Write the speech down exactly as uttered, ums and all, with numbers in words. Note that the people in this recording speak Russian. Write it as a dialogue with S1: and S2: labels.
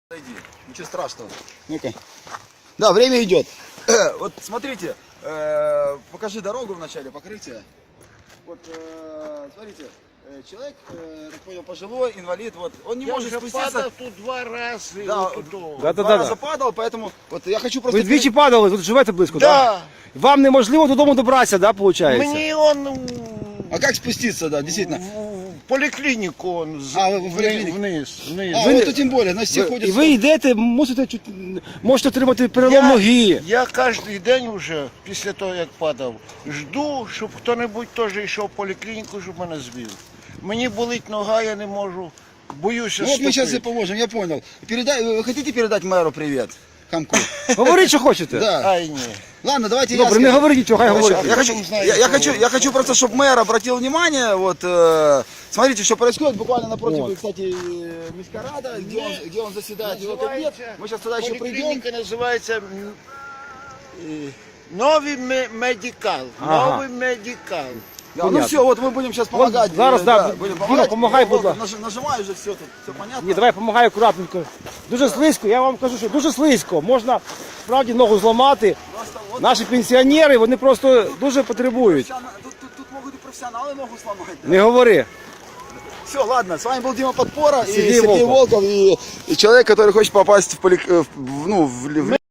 S1: Зайди, ничего страшного.
S2: Ну-ка. Да, время идет.
S1: Вот смотрите, э, покажи дорогу в начале покрытия. Вот э, смотрите, э, человек, э, так понял, пожилой, инвалид, вот он не
S3: Я
S1: может
S3: вже
S1: спуститься.
S3: падав тут два рази.
S1: Да,
S3: отут.
S2: Да, да,
S1: Два
S2: да,
S1: раза
S2: да.
S1: падал, поэтому вот я хочу просто.
S2: Ви двічі падали, тут живете близько,
S3: Да.
S2: так? Вам неможливо додому добратися, да, виходить?
S3: Мені он
S1: А как спуститься, да, действительно?
S3: в поліклініку он з-
S1: А, в
S3: вни-
S1: поліклініку.
S3: вниз. вниз.
S1: А,
S2: Ви-
S1: вот то тем более, значит все ходят.
S2: І ви йдете, мусите чуть, можете отримати перелом
S3: Я,
S2: ноги.
S3: я кожен день вже, після того як падав, жду, щоб хто-небудь теж йшов в поліклініку, щоб мене звів. Мені болить нога, я не можу, боюся
S1: Ну вот мы сейчас и
S3: ступити.
S1: поможем, я понял. Передай, вы хотите передать мэру привет? Хамку.
S2: Говоріть, що хочете.
S1: Да.
S3: Ай, ні.
S1: Ладно, давайте я
S2: Добре,
S1: скажу.
S2: не говоріть нічого, хай говорить.
S1: Я хочу,
S3: потом знаете,
S1: я, я
S3: что
S1: хочу,
S3: вот.
S1: я хочу просто, чтобы мэр обратил внимание, вот, э, смотрите, что происходит, буквально напротив,
S2: Вот.
S1: кстати, э, Мискарада, где он, где он заседает, его кабинет.
S3: Називається-
S1: Мы сейчас туда еще придем.
S3: Поліклініка називається м, е, Новий ме- медикал.
S2: Ага.
S3: Новий медикал.
S1: Да, ну
S2: Понятно.
S1: все, вот мы будем сейчас помогать.
S2: зараз,
S1: э,
S2: да,
S1: будем
S2: Дима,
S1: помогать.
S2: помогай,
S1: Вот,
S2: будь ласка.
S1: наж- Нажимаю уже все тут, все понятно.
S2: Ні, давай допомагай акуратненько. Дуже слизько, я вам кажу, що дуже слизько. Можна справді ногу зламати.
S1: Просто вот
S2: Наші пенсіонери, вони просто дуже потребують.
S1: профессионал- тут, тут, тут могут и профессионалы ногу сломать. Да.
S2: Не говори.
S1: Все, ладно, с вами был Дима Подпора и
S2: Сергей
S1: Сергей
S2: Волков.
S1: Волков, и, и человек, который хочет попасть в, поли, э, в, ну, в, в